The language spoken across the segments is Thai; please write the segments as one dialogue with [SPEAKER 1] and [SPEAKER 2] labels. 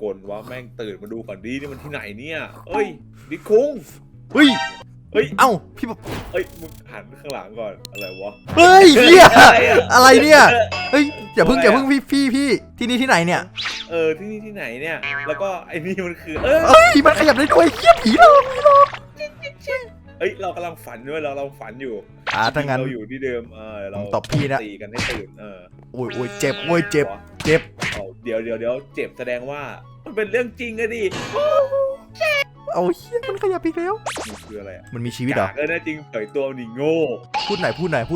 [SPEAKER 1] กลวะแม่งตื่นมาดูก่อนดีนี่มันที่ไหนเนี่ยเอ้ยดิคุง
[SPEAKER 2] เฮ้ย
[SPEAKER 1] เฮ้ย
[SPEAKER 2] เอ้าพี่บอก
[SPEAKER 1] เอ้ยมึงหันข้างหลังก่อนอะไรวะ
[SPEAKER 2] เฮ้ยเฮีย
[SPEAKER 1] อะไรอะ
[SPEAKER 2] อะไรเนี่ยเฮ้ยอย่าเพิ่งพี่ที่นี่ที่ไหนเนี่ย
[SPEAKER 1] ที่นี่ที่ไหนเนี่ยแล้วก็ไอ้นี่มันคือ
[SPEAKER 2] เอ้ยมันขยับได้ด้วยเฮียผีหลอก
[SPEAKER 1] เอ้ยเรากำลังฝันด้วยเราฝันอยู่
[SPEAKER 2] ถ้างั้น
[SPEAKER 1] เราอยู่ที่เดิมเรา
[SPEAKER 2] ผมตบพี่นะ
[SPEAKER 1] ตีกันให้ตื่น
[SPEAKER 2] โอ้ยเจ็บโอ้ยเจ็บ
[SPEAKER 1] เดี๋ยวเจ็บแสดงว่ามันเป็นเรื่องจริงอะดิ
[SPEAKER 2] เอาเฮียมันขยับอีกแล้ว
[SPEAKER 1] มันคืออะไรอะ
[SPEAKER 2] มันมีชีวิตเหรอ
[SPEAKER 1] แน่จริงเผยตัวนี่โง่
[SPEAKER 2] พูดไหน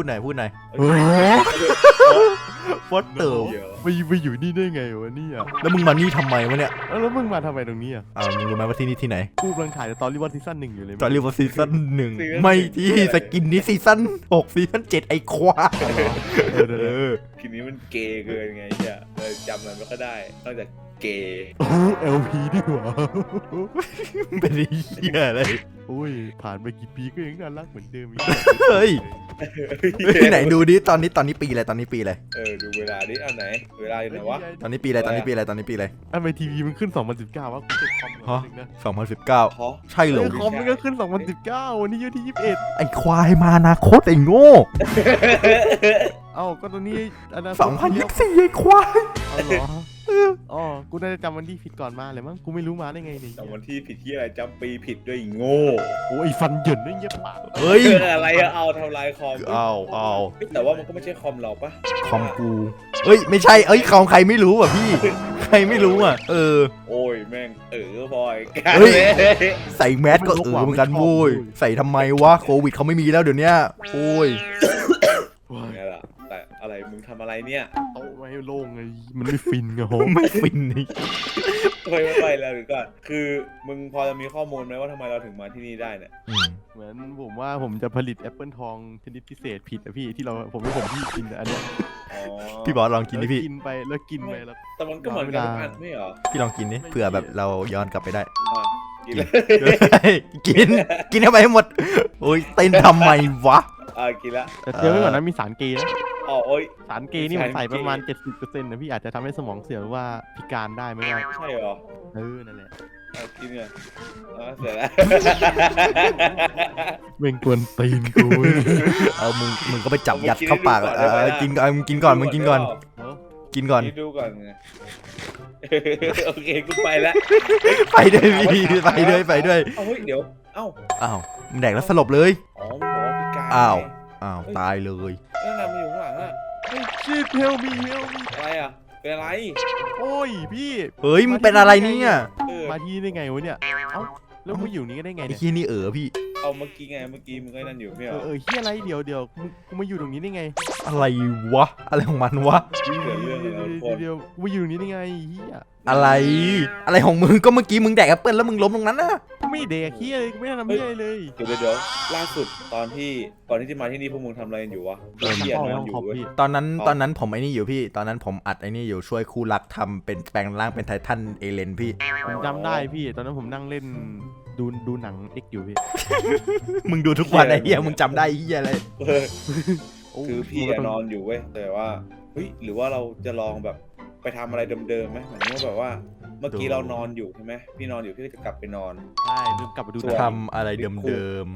[SPEAKER 2] ฟอสเตอร์
[SPEAKER 1] เดี๋ยว
[SPEAKER 3] ไปอยู่นี่ได้ไงวะเนี่ย
[SPEAKER 2] แล้วมึงมานี่ทำไมวะเนี่ย
[SPEAKER 3] แล้วมึงมาทำไมตรงนี้อ่ะ
[SPEAKER 2] มึงรู้ไหมว่าที่นี่ที่ไหน
[SPEAKER 3] กูกำลังถ่ายตอนรีวอร์ซีซั่น 1อยู่เลย
[SPEAKER 2] ตอนเรียกว่าซีซั่น1ไม่ที่สกินนี้ซีซั่น6ซีซั่น7ไอ้ควาย
[SPEAKER 1] ทีนี้มันเกย์เกินไงเนี่ยเลยจำมันไม่ค่อยได้นอกจากเกย์
[SPEAKER 3] โอ้เอลพีดีกว่า
[SPEAKER 2] เป็นเหี้ยอะไร
[SPEAKER 3] โอ้ยผ่านไปกี่ปีก็ยังน่ารักเหมือนเดิมอีก
[SPEAKER 2] เฮ้ยไหนดูดิตอนนี้ปีอะไร
[SPEAKER 1] ดูเวลาดิเอาไหนเวลาอยู่ไหนวะ
[SPEAKER 2] ตอนนี้ปีอะไร
[SPEAKER 3] ทำไมทีวีมันขึ้น 2019วะกูเช็คคอม
[SPEAKER 2] ฮะ
[SPEAKER 3] นะ
[SPEAKER 2] 2019
[SPEAKER 1] ฮะ
[SPEAKER 2] ใช่เหรอ
[SPEAKER 3] คอมมันก็ขึ้น 2019วันนี้อยู่ที่ 21
[SPEAKER 2] ไอ้ควายมาอนาคตไอ้โง่
[SPEAKER 3] เอ้าก็ตอนนี้อันนั้น
[SPEAKER 2] 2024ไอ้ควาย
[SPEAKER 3] เอาเหรออ๋อกูน่าจะจำวันที่ผิดก่อนมาเลยมั้งกูไม่รู้มาได้ไงเนี่ย
[SPEAKER 1] จำวันที่ผิดที่อะไรจำปีผิดด้วยอีโง่
[SPEAKER 3] โอ้ยฟันเหยินด้วยเยี่ยปาก
[SPEAKER 2] เฮ้ย
[SPEAKER 1] อะไรอะเอาทำลายคอม
[SPEAKER 2] เอา
[SPEAKER 1] แต่ว่ามันก็ไม่ใช่คอมเราปะ
[SPEAKER 2] คอมกูเอ้ยไม่ใช่ของใครไม่รู้อ่ะพี่ใครไม่รู้อ่ะ
[SPEAKER 1] โอ้ยแม่งบอย
[SPEAKER 2] เฮ้ย ใส่แมสก็เหมือนกันโว้ยใส่ทำไมวะโควิดเขาไม่มีแล้วเดี๋ยวนี้โอ้ย
[SPEAKER 1] ไงล่ะแต่อะไรมึงทำอะไรเนี่ย
[SPEAKER 3] โต๊ะไม่ให้โล่งไงมันไม่ฟินไงโห
[SPEAKER 2] ไม่ฟินนี่
[SPEAKER 1] ไม่ไปแล้วหรือก่อนคือมึงพอจะมีข้อมูลไหมว่าทำไมเราถึงมาที่นี่ได้เนี่ย
[SPEAKER 3] เหมือนผมว่าผมจะผลิตแอปเปิลทองชนิดพิเศษผิดอะพี่ที่ผมที่กินอันเนี้ย
[SPEAKER 2] พี่บอสลองกินดิพี่
[SPEAKER 3] กินไปแล้วแล้ว
[SPEAKER 1] แต่มันก็เหมือนกันทุกอันไม่เหรอ
[SPEAKER 2] พี่ลองกินดิเผื่อแบบเราย้อนกลับไปได้
[SPEAKER 1] กินเลย
[SPEAKER 2] กินเข้าไปให้หมดโอ้ยเต้นทำไมวะ
[SPEAKER 1] กินละ
[SPEAKER 3] แต่เชื่อไว้ก่อนนะมีสารเกย์นะ
[SPEAKER 1] โอ้ย
[SPEAKER 3] สารเกย์นี่มันใส่ประมาณ 70%นะพี่อาจจะทำให้สมองเสื่อมหรือว่าพิการได้ไม่ได้
[SPEAKER 1] ใช่เหรอ
[SPEAKER 3] นั่นแหละ
[SPEAKER 1] กินเนี่ยเสร็จแล้ว
[SPEAKER 3] เบ่งกวนตีนกู
[SPEAKER 2] มึงก็ไปจับยัดเข้าปากกินก่อนมึงกินก่อนกินก่อน
[SPEAKER 1] ดูก่อนไงโอเคกูไปแล้ว
[SPEAKER 2] ไปด้วยพี่ไปด้วย
[SPEAKER 1] เฮ้ยเดี๋ยวอ้าว
[SPEAKER 2] มึงแดกแล้วสลบเลย
[SPEAKER 1] มันบอกว่าพิการ
[SPEAKER 2] อ้าวตายเลย
[SPEAKER 1] นั่นน่ะมันอยู่ข้างหลังอะ
[SPEAKER 3] ชีพเฮลมี
[SPEAKER 1] อะไรอะเป็นอะไร
[SPEAKER 3] โอ้ยพี่
[SPEAKER 2] เฮ้ยมึงเป็นอะไรเนี่ย
[SPEAKER 3] มาที่ได้ไงวะเนี่ยเอ้าแล้วมึงอยู่นี่ก็ได้ไง
[SPEAKER 2] ไอ้
[SPEAKER 3] เนี่ย
[SPEAKER 2] ขี้นี่พี่
[SPEAKER 1] เอาเมื่อกี้มึงก็นั่นอยู่ไม่เหรอ
[SPEAKER 3] เฮียอะไรเดี๋ยวกูมาอยู่ตรงนี้ได้ไง
[SPEAKER 2] อะไรวะอะไรของมันวะ
[SPEAKER 3] เดี๋ยวกูมาอยู่ตรงนี้ได้ไงเฮีย
[SPEAKER 2] อะไรของมึงก็เมื่อกี้มึงแดกแอปเปิ้ลแล้วมึงล้มตรงนั้นนะ
[SPEAKER 3] ไม่เด็กเฮียเลยไม่ทำเฮียเลย
[SPEAKER 1] เดี๋ยวล่าสุดก่อนที่จะมาที่นี่พวกมึงทำอะไรกันอยู่วะเฮียนอนอยู่เว้ย
[SPEAKER 2] ตอนนั้นผมไอ้นี่อยู่พี่ตอนนั้นผมอัดไอ้นี่อยู่ช่วยคู่รักทำเป็นแปลงร่างเป็นไททันเอเลนพี่
[SPEAKER 3] ผมจำได้พี่ตอนนั้นผมนั่งเล่นดูหนังเอ็กอยู่พี่
[SPEAKER 2] มึงดูทุกวันไอ้เหี้ยมึงจำได้เหี้ยอะไร
[SPEAKER 1] คือพี่นอนอยู่เว้ยแต่ว่าเฮ้ยหรือว่าเราจะลองแบบไปทำอะไรเดิมๆไหมเหมือนว่าแบบว่าเมื่อกี้เรานอนอยู่ใช่ไหมพี่นอนอยู่พี่ก็จะกลับไปนอน
[SPEAKER 3] ใช่ลืมกลับมาดู
[SPEAKER 2] ทำอะไรเดิม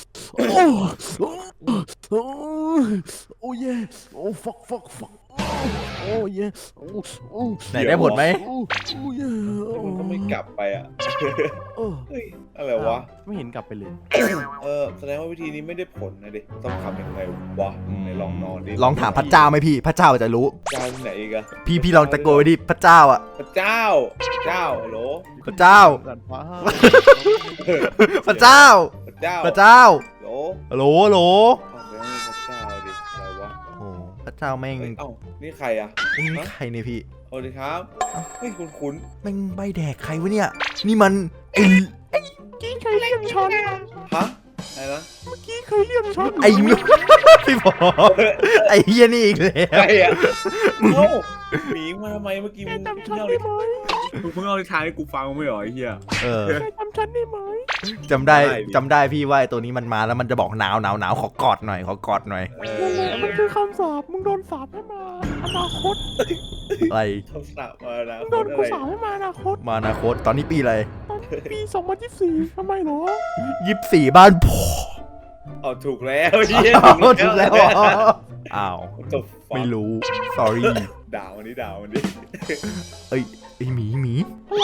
[SPEAKER 3] โอ้เย่โอ้ฟักโอ้เย่โอ้
[SPEAKER 2] ๆไหนได้ผลไหม
[SPEAKER 3] โอ้เย่
[SPEAKER 1] มันก็ไม่กลับไปอ่ะเฮ้ยอะไรวะ
[SPEAKER 3] ไม่เห็นกลับไปเลย
[SPEAKER 1] แสดงว่าวิธีนี้ไม่ได้ผลนะดิต้องทำยังไงวะในลองนอนดิ
[SPEAKER 2] ลองถามพระเจ้าไหมพี่พระเจ้าจะรู้
[SPEAKER 1] เจ้าที่ไหนอีกอะ
[SPEAKER 2] พี่ลองตะโกนไปดิพระเจ้าอ่ะ
[SPEAKER 1] พระเจ้าฮัลโหล
[SPEAKER 2] พระเจ้า
[SPEAKER 3] สัตว์ฟ้า
[SPEAKER 2] พระเจ้า
[SPEAKER 1] พระเจ้า
[SPEAKER 2] ฮัลโหล
[SPEAKER 1] ฮัลโหลไม่มีพระเจ้าดิอะไรวะ
[SPEAKER 2] โอ้พระเจ้าแม่ง
[SPEAKER 1] นี่ใครอะ
[SPEAKER 2] นี่ใครเนี่ยพี่
[SPEAKER 1] สวัสดีครับเฮ้ยคุ้น
[SPEAKER 2] แม่งใบแดกใครวะเนี่ยนี่มัน
[SPEAKER 3] กี้เคยเลี่ยมช้อน
[SPEAKER 1] ๆฮะอะไรนะ
[SPEAKER 3] เมื่อกี้เคยเลี่ยมช้อน
[SPEAKER 2] ไอ้พี่บอไอ้เฮียนี่อีกแล้ว
[SPEAKER 1] ใครอะเอ้าหมีมาทำไมเมื่อกี้มึง
[SPEAKER 3] จำฉันได้ไหม
[SPEAKER 1] เพิ่งเอานิทานให้กูฟังไม่หรอไอ้เหี้ย
[SPEAKER 3] จำฉันได้ไหม
[SPEAKER 2] จำได้พี่ว่าไอ้ตัวนี้มันมาแล้วมันจะบอกหนาวขอกอดหน่อย
[SPEAKER 3] มันคือคำสาปมึงโดนสาปให้มาอนาคต
[SPEAKER 2] อะไร
[SPEAKER 1] เขาสาบมาแล้ว
[SPEAKER 3] มึงโดนกูสาปให้มาอนาคต
[SPEAKER 2] มาอนาคตตอนนี้ปีอะไร
[SPEAKER 3] ตอนปี 2024ทำไมเหรอ
[SPEAKER 2] 24บ้านพ่อ
[SPEAKER 1] เอาถูกแล้วเฮีย
[SPEAKER 2] อ้าวถูกแล้วเหรออ้าว
[SPEAKER 1] จบ
[SPEAKER 2] ไม่รู้ sorry
[SPEAKER 1] ด่าวันนี้ด่าวันนี้
[SPEAKER 2] เอ้ยไอหมีหมี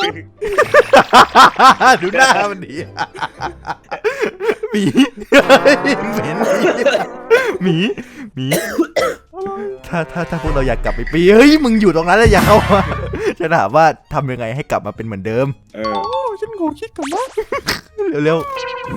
[SPEAKER 2] ดูหน้ามันดิหมีเหม็นหมีหมี
[SPEAKER 3] อะไร
[SPEAKER 2] ถ้าพวกเราอยากกลับไปปีเฮ้ยมึงอยู่ตรงนั้นแล้วอย่าเข้ามาจะถามว่าทำยังไงให้กลับมาเป็นเหมือนเดิม
[SPEAKER 1] เออ
[SPEAKER 3] โอ้ฉันขอคิดก่อนนะ
[SPEAKER 2] เร็ว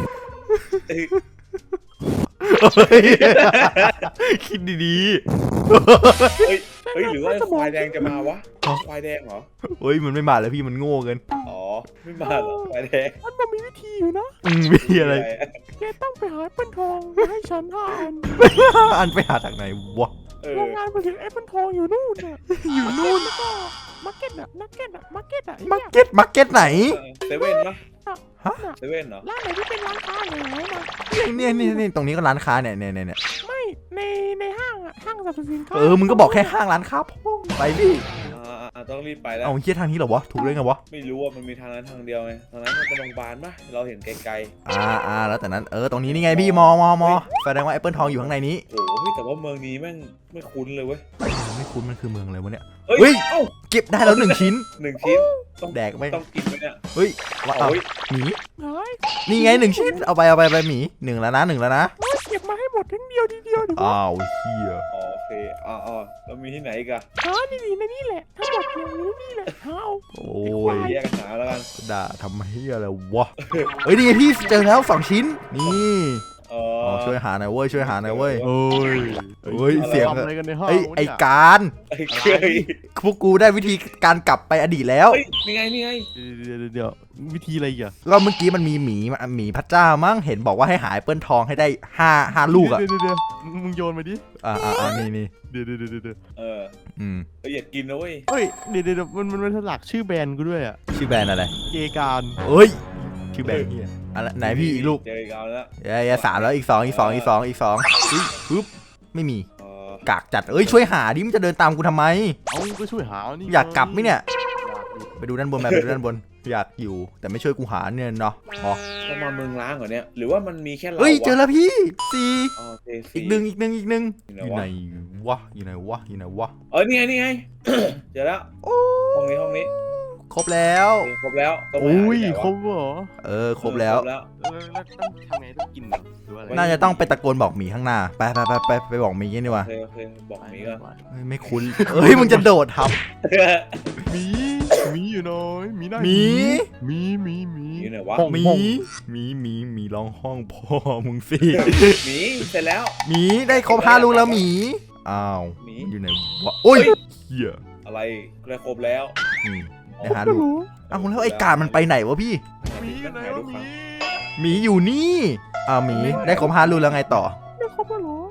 [SPEAKER 2] ๆเฮ้ยคิดดี
[SPEAKER 1] เฮ้ยหรือว่าควายแดงจะมาวะควายแดงเหรอ
[SPEAKER 2] ๆเฮ้ยมันไม่มาแล้วพี่มันโง่เกิน
[SPEAKER 1] อ๋อไม่มาเหรอควายแดง
[SPEAKER 3] มันมีวิธีอยู่นะ
[SPEAKER 2] มีอะไร
[SPEAKER 3] แกต้องไปหาแอปเปิลทองมาให้ฉัน5 อัน
[SPEAKER 2] อันไปหาจากไหนวะ
[SPEAKER 1] เอ
[SPEAKER 3] โร
[SPEAKER 1] อง
[SPEAKER 3] งานผลิตแอปเปิลทองอยู่นู่นน่ะอยู่นู่นแล้วก็มาร์เก็ตอะมาร์เก็ตอะมาร์เก็ตอะ
[SPEAKER 2] มาร์เก็ตไหน
[SPEAKER 1] เซเว่นปะ
[SPEAKER 2] ฮะ
[SPEAKER 1] เซเว่นเหรอ
[SPEAKER 3] ร้านไหนที่เป็นร้านค้าอย่างไรนะ
[SPEAKER 2] นี่ตรงนี้ก็ร้านค้าเนี่ย
[SPEAKER 3] ไม่ในห้างอะห้างสรรพสินค้า
[SPEAKER 2] มึงก็บอกแค่ห้างร้านค้าพ่งไปพี่
[SPEAKER 1] ต้องรีบไปแล้ว
[SPEAKER 2] เอาเฮียทางนี้เหรอวะถูกเลยไงวะ
[SPEAKER 1] ไม่รู้ว่ามันมีทางนั้นทางเดียวไงทางนั้นมันเป็นโรงพยาบาลปะเราเห็นไกล
[SPEAKER 2] แล้วแต่นั้นตรงนี้นี่ไงพี่มอแสดงว่าแอปเปิลทองอยู่ข้างในนี้
[SPEAKER 1] ๆโอ้โหแต่ว่าเมืองนี้แม่งไม่คุ้นเลยเว้ย
[SPEAKER 2] ไม่คุ้นมันคือเมืองอะไรวะเนี่ย
[SPEAKER 1] เฮ้
[SPEAKER 2] เฮ้
[SPEAKER 1] ย
[SPEAKER 2] ย
[SPEAKER 1] เอ้า
[SPEAKER 2] เก็บได้แล้ว1 ชิ้น
[SPEAKER 1] 1 ชิ้นต้อง
[SPEAKER 2] แดกไหม
[SPEAKER 1] ต้องกินไหมเนี่ย
[SPEAKER 2] เฮ้ยว่า
[SPEAKER 1] โอ้ย
[SPEAKER 2] หมี
[SPEAKER 3] หาย
[SPEAKER 2] นี่ไง1 ชิ้นเอาไปหมี1แล้วนะ1แล้วนะ
[SPEAKER 3] เก็บมาให้หมดทั้งเดียวทีเดียวเดี๋ยว
[SPEAKER 2] อ้าวเฮีย
[SPEAKER 1] อ๋อโอเคอ๋อแล้วมีที่ไหนอีกอะ
[SPEAKER 3] หานี่ในนี่แหละทั้งหมดเนี่ยอยู่ในนี่แหละหาเอา
[SPEAKER 2] โอ้ย
[SPEAKER 1] แยกกันหาแล้วกัน
[SPEAKER 2] ด่าทำเฮียอะไรวะเฮ้ยนี่ไงพี่เจอแล้ว2 ชิ้นนี่ ช่วยหาหน่อยเว้ยเฮ้ยเสียง
[SPEAKER 3] ทำอะไรกันในห้อง
[SPEAKER 2] ไอ้การ
[SPEAKER 1] ไอ้เคย
[SPEAKER 2] พวกกูได้วิธีการกลับไปอดีตแล้ว
[SPEAKER 1] เฮ้ยนี่ไงนี่ไง
[SPEAKER 3] เดี๋ยววิธีอะไรอีกอะ
[SPEAKER 2] ก็เมื่อกี้มันมีหมีพระเจ้ามั้งเห็นบอกว่าให้หาแอปเปิลทองให้ได้5ลูกอ่ะ
[SPEAKER 3] เดี๋ยวมึงโยนมาดิ
[SPEAKER 2] นี่
[SPEAKER 3] เดี๋ยว
[SPEAKER 1] อย่ากินนะเว้ย
[SPEAKER 3] เฮ้ยเดี๋ยวมันสลักชื่อแบรนด์กูด้วยอะ
[SPEAKER 2] ชื่อแบรนด์อะไร
[SPEAKER 3] เกการ
[SPEAKER 2] เอ้ยชื่อแบรนด์เฮียอะไรไหนพี่อีกลูก
[SPEAKER 1] เจอกันแล้ว
[SPEAKER 2] 3แล้วอีก2ปึ๊บไม่มีกากจัดช่วยหาดิมันจะเดินตามกูทำไม
[SPEAKER 3] เอาก็ช่วยหานี่
[SPEAKER 2] อยากกลับไหมเนี่ยไปดูด้านบนไปดูด้านบนอยากอยู่แต่ไม่ช่วยกูหาเนี่ยเนาะอ๋อ
[SPEAKER 1] ต้องมาเมืองล้างเหรอเนี่ยหรือว่ามันมีแค่เรา
[SPEAKER 2] เฮ้ยเจอแล้วพี่อีกหนึ่ง
[SPEAKER 1] อยู่
[SPEAKER 2] อยู่ไหนวะ
[SPEAKER 1] นี่ไงเจอแล้วห้องนี้
[SPEAKER 2] ครบแล้ว
[SPEAKER 1] ครบแล้ว
[SPEAKER 3] โอ้ยครบเหรอ
[SPEAKER 2] ครบแล้ว
[SPEAKER 3] แล้วต้องทำไงต้องกินหรือว่าอะไร
[SPEAKER 2] น่าจะต้องไปตะโกนบอกหมีข้างหน้าไปบอกหมีกันดีกว่า
[SPEAKER 1] โอเคบอกนี้ก็
[SPEAKER 2] ไม่คุ้นมึงจะโดดทับ
[SPEAKER 3] มีอยู่น้อยมีได้
[SPEAKER 2] หมี
[SPEAKER 1] อยู่ไหนวะ
[SPEAKER 2] หมีร้องห้องพ่อมึงสิ
[SPEAKER 1] หมีเสร็จแล้ว
[SPEAKER 2] หมีได้ครบ5ลูกแล้วหมีอ้าว
[SPEAKER 1] หมี
[SPEAKER 2] อยู่ไหนวะโอ้ยเหี้ย
[SPEAKER 1] อะไรได้ครบแล้ว
[SPEAKER 2] ได้หาลูกอ้าวแล้วไอ้การมันไปไหนวะพี่
[SPEAKER 3] มีอยู่ไหนวะมี
[SPEAKER 2] หมีอยู่นี่หมีได้ครบ5ลูกแล้วไงต่อ
[SPEAKER 3] ไม่ครบแล้วเหรอ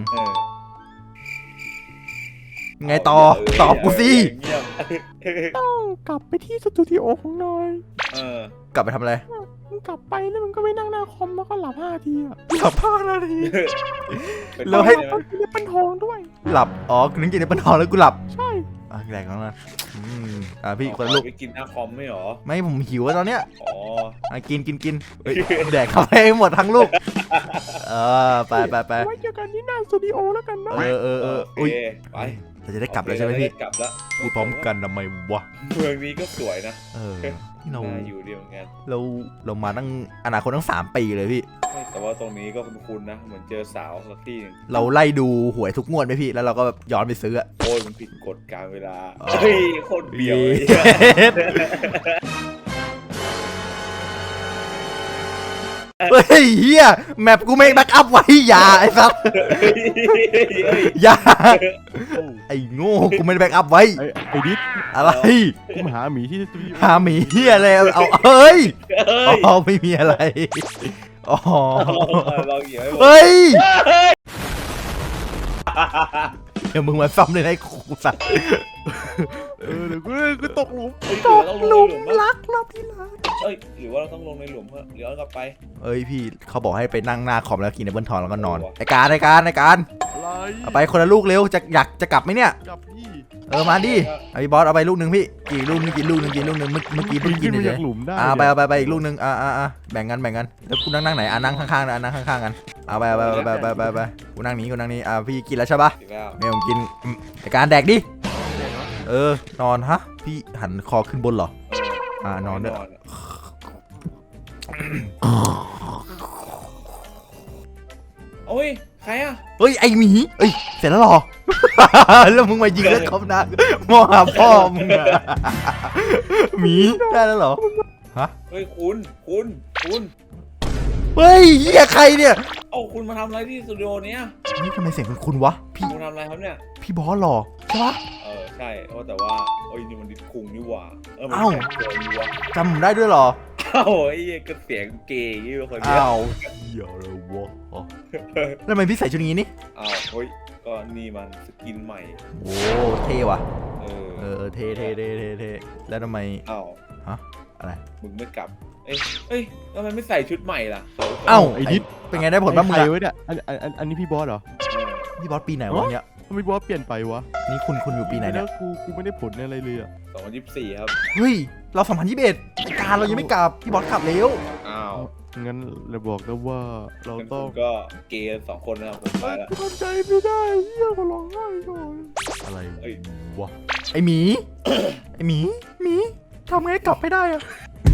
[SPEAKER 2] ไงต่อตอบกูสิ
[SPEAKER 1] เงียบ
[SPEAKER 3] ต้องกลับไปที่สตูดิโอของนาย
[SPEAKER 2] กลับไปทำอะไร
[SPEAKER 3] มึงกลับไปแล้วมึงก็ไปนั่งหน้าคอมแล้วก็หลับ5 ทีอะ
[SPEAKER 2] หลับ5 นาที
[SPEAKER 1] แล้ว
[SPEAKER 2] ให้
[SPEAKER 3] ต้องกินเป็นทองด้วย
[SPEAKER 2] หลับนึกกินในปนทองแล้วกูหลับ
[SPEAKER 3] ใช่
[SPEAKER 2] แดกแล้วนะพี่คนลูก
[SPEAKER 1] ไปกินหน้าคอมไม่หรอ
[SPEAKER 2] ไม่ผมหิวแล้วตอนเนี้ย
[SPEAKER 1] อ๋อ
[SPEAKER 2] กินแดกเข้าไปให้หมดทั้งลูกไป
[SPEAKER 3] ไว้เจอกันที่หน้าสตูดิโอแล้วกันนะ
[SPEAKER 2] อุ้ย
[SPEAKER 1] ไป
[SPEAKER 2] เราจะได้กลับแล้วใช่ไหมพี่
[SPEAKER 1] กลับแล้ว
[SPEAKER 2] พูดพร้อมกันทำไมวะ
[SPEAKER 1] เมืองนี้ก็สวยนะ
[SPEAKER 2] ที่เรา
[SPEAKER 1] น่าอยู่ดีเหมือนกัน
[SPEAKER 2] เรามาตั้งอนาคตตั้ง3 ปีเลยพี่
[SPEAKER 1] แต่ว่าตรงนี้ก็คุ้นๆนะเหมือนเจอสาวสักที่นึง
[SPEAKER 2] เราไล่ดูหวยทุกงวดไหมพี่แล้วเราก็แบบย้อนไปซื้อ
[SPEAKER 1] โอ้ยมันผิดกฎการเวลาเฮ้ยโคตรเบียว
[SPEAKER 2] เฮ้ยเฮียแมปกูไม่แบ็กอัพไว้อย่าไอ้สัสอย่าไอ้โง่กูไม่ได้แบ็กอัพไว้
[SPEAKER 3] ไอ้ดิส
[SPEAKER 2] อะไร
[SPEAKER 3] กูมาหาหมีที่สตูดิโอ
[SPEAKER 2] หาหมีเฮียอะไรเอาเฮ้ยไม่มีอะไรอ๋อ
[SPEAKER 1] เราเหยียบ
[SPEAKER 2] เฮ้ยเดี๋ยวมึงมาซ้ำเลยนะไอ้กูสัตว์
[SPEAKER 3] เดี๋ยวกูตกหลุม
[SPEAKER 1] ตกหลุมรัก
[SPEAKER 2] รอบที่รัก
[SPEAKER 1] เอ้ยหรือว่าเราต้องลงในหลุมเพื่อย้อนกลับไป
[SPEAKER 2] เอ้ยพี่เขาบอกให้ไปนั่งหน้าคอมแล้วกินแอปเปิลทองแล้วก็นอน
[SPEAKER 1] โอ้โห
[SPEAKER 2] ไอ้การ
[SPEAKER 3] อะไร
[SPEAKER 2] เอาไปคนละลูกเร็วอยากจะกลับไหมเนี่ย
[SPEAKER 3] กับพี่
[SPEAKER 2] มาดิไอ้บอสเอาไปลูกหนึ่งพี่กี่ลูกนึงกินลูกหนึ่งเมื่อกี้เพิ่งกิ
[SPEAKER 3] ขึ้
[SPEAKER 2] น
[SPEAKER 3] นมา
[SPEAKER 2] เล
[SPEAKER 3] จาย กหลุมได้
[SPEAKER 2] ไปอีกลูกหนึ่งแบ่งกันแล้วกูนั่งไหนนั่งข้างๆนะนั่งข้างๆกันเอาไปกูนั่งนี้พี่กินแล้วใช่ปะ
[SPEAKER 1] อีกแล้ว
[SPEAKER 2] เนี่ยผมกินไอ้การแดกดินอนฮะพี่หันคอขึ้นบนเหรอ นอนด้วย
[SPEAKER 1] โอ้ยใครอ่ะ
[SPEAKER 2] เฮ้ยไอหมีเอ้ยเสร็จแล้วหรอ แล้วมึงมายิงแล้วเขานะมองหาพ่อมึงอะหมีได้แล้วเหรอฮะ
[SPEAKER 1] เฮ้ยคุณ
[SPEAKER 2] เฮ้ยเหี้ยใครเนี่ย
[SPEAKER 1] เอ้าคุณมาทำอะไรที่สตูดิโอเนี้ย
[SPEAKER 2] นี่ทำไมเสียงคุณวะพี่
[SPEAKER 1] คุณทำอะไรครับเนี่ย
[SPEAKER 2] พี่บอสหรอใช่ปะ
[SPEAKER 1] ใช่แต่ว่าโอ้ยนี่มันดิดคุงนี่หว่ามัน
[SPEAKER 2] เอ้า
[SPEAKER 1] แข่งเกินนี่หว่า
[SPEAKER 2] จำผมได้ด้วยเหรอ
[SPEAKER 1] เอ้าไอ้เหี้ยก็เสียงเกย์อย่างนี้เป็นคนเดียว
[SPEAKER 2] อ้าวเหี้ยเลยวะแล้วทำไมพี่ใส่ชุดนี้นี่
[SPEAKER 1] อ้าวเฮ้ยก็นี่มันสกินใหม่
[SPEAKER 2] โอ้เท่ว่ะ
[SPEAKER 1] เออ
[SPEAKER 2] เท่แล้วทำไม
[SPEAKER 1] อ้าว
[SPEAKER 2] ฮะอะไร
[SPEAKER 1] มึงไม่กลับเอ้ยทำไมไม่ใส่ชุดใหม่ล่ะ
[SPEAKER 2] เอ้า
[SPEAKER 3] ไอ้นิด
[SPEAKER 2] เป็นไงได้ผลบ้างมึง
[SPEAKER 3] ใคร
[SPEAKER 2] อะ
[SPEAKER 3] ไว้เนี่ยอันนี้พี่บอสเหรอ
[SPEAKER 2] พี่บอสปีไหนวะเนี่ย
[SPEAKER 3] ทำไมบอสเปลี่ยนไปวะ
[SPEAKER 2] นี่คุณอยู่ปีไหนเนี่ย
[SPEAKER 3] กูไม่ได้ผลอะไรเลยอ่ะ
[SPEAKER 1] 2024ครับ
[SPEAKER 2] เฮ้ยเรา2021การเรายังไม่กลับพี่บอสกลับแล้ว
[SPEAKER 1] อ้าว
[SPEAKER 3] งั้นเราบอกนะว่าเรา
[SPEAKER 1] งั้น
[SPEAKER 3] ต้
[SPEAKER 1] ผ
[SPEAKER 3] อง
[SPEAKER 1] มก็เกย์2 คนนะครับผมไปแล้ว
[SPEAKER 3] ทำใจไม่ได้เฮียก็ร้องไห้ก่อน
[SPEAKER 2] อะไร
[SPEAKER 1] เอ้ย
[SPEAKER 2] วะไอหมี ไอหมีทำไงกลับไม่ได้อะ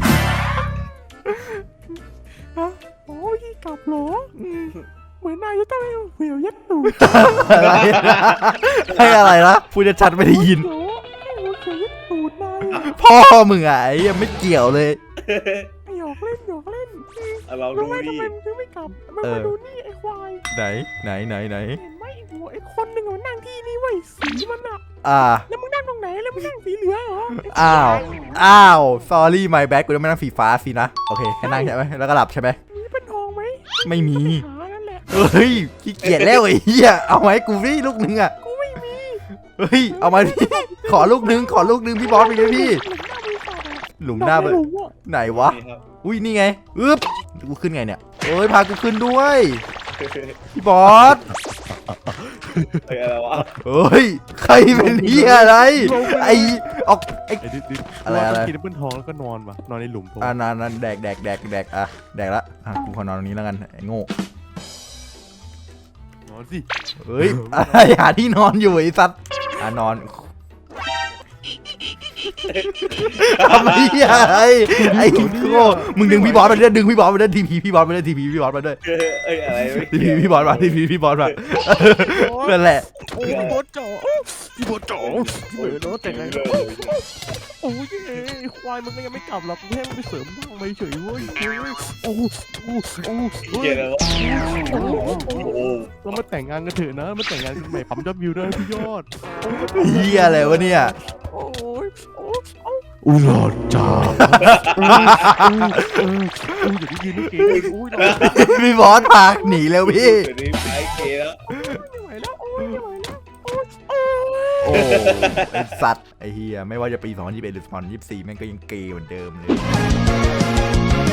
[SPEAKER 3] โอ้ยกลับเหรอเหมือนนายจะต้องให้เหวี่ยวยัดตูด
[SPEAKER 2] อะไรนะให้อะไรนะพูดชัดๆไม่ได้ยิน
[SPEAKER 3] เหรอให้เหวี่ยวยัดตูดนาย
[SPEAKER 2] พ่อมึงอะไอ้ยังไม่เกี่ยวเลย
[SPEAKER 3] หยอกเล่น
[SPEAKER 1] เรา
[SPEAKER 3] รู้
[SPEAKER 1] ดู
[SPEAKER 3] ไหมทำ
[SPEAKER 1] ดิ
[SPEAKER 3] ไมมึงถึงไม่กลับมึงมาดูนี่ไอ้ควาย
[SPEAKER 2] ไหน
[SPEAKER 3] เห็นไหมไอ้หัวไอ้คนหนึ่งมันนั่งที่นี่ไว้ยสีมันอะ แล้วมึงนั่งตรงไหนแล้วมึงนั่งสีเหลืองเหรอ
[SPEAKER 2] อ้าว sorry my bad กูจะไม่นั่งสีฟ้าสินะ โอเคแค่นั่งใช่ไหมแล้วก็หลับใช่ไหม
[SPEAKER 3] มีเป็นทองไหม
[SPEAKER 2] ไม่มี
[SPEAKER 3] หานั่นแหละ
[SPEAKER 2] เฮ้ยขี้เกียจแล้วไอ้เหี้ยเอาไหมาให้กูพี่ลูกนึงอะ
[SPEAKER 3] กูไม่มี
[SPEAKER 2] เฮ้ยเอามาพี่ขอลูกนึงพี่บอสไปเลยพี่ หลุมหน้า
[SPEAKER 3] ไป
[SPEAKER 2] ไป
[SPEAKER 3] หลุมอะ
[SPEAKER 2] ไหนวะ
[SPEAKER 1] นี่ครับ
[SPEAKER 2] อุ้ยนี่ไงอึ๊บกูขึ้นไงเนี่ยเอ้ยพากูขึ้นด้วยพี่บอส
[SPEAKER 1] อะไรวะ
[SPEAKER 2] เฮ้ยใครเป็นเหี้ยอะไรไอออกไอ
[SPEAKER 3] ไอ้ดิด
[SPEAKER 2] อะไร
[SPEAKER 3] กินเป็นทองแล้วก็นอนว่ะนอนในหลุมผม
[SPEAKER 2] นั่นแดกอ่ะแดกละกูขอนอนตรงนี้แล้วกันไอ้โง่
[SPEAKER 3] นอนสิ
[SPEAKER 2] เฮ้ยอะไรหาที่นอนอยู่ไอ้สัตว์นอนทำไมไอ้โง่มึงดึงพี่บอสมาด้วยทีพีพี่บอสมาด้วย
[SPEAKER 1] อะไรไม่
[SPEAKER 2] ทีพีพี่บอสมานั่นแหละ
[SPEAKER 3] โอ้ยพี่บอสจ๋อพี่บอสแต่งไงโอ้ยไอ้ควายมันก็ยังไม่กลับหรอกกูแค่ไปเสริมบ้างไปเฉยเว้ยโอ้
[SPEAKER 1] เกย์แล้ววะโอ้โห
[SPEAKER 3] เรามาแต่งงานกันเถอะนะมาแต่งงานกันใหม่ปั๊มยอดวิวด้วยพี่ยอด
[SPEAKER 2] เหี้ยอะไรวะเนี่ย
[SPEAKER 3] โอ้ยอุลาจ้าอย่าได้ยินนะเก๋อุ้ย
[SPEAKER 2] พี่บอสพาหนีแล้วพี่
[SPEAKER 1] เดี๋ยวนี้ไอ้เกย์แล้ว
[SPEAKER 3] ไม่ไหวแล้วโอ้ยไม่ไหวแล้วโอ้ย
[SPEAKER 2] โอ้ไอ้สัตว์ไอ้เฮียไม่ว่าจะปี2021หรือ2024แม่งก็ยังเกย์เหมือนเดิมเลย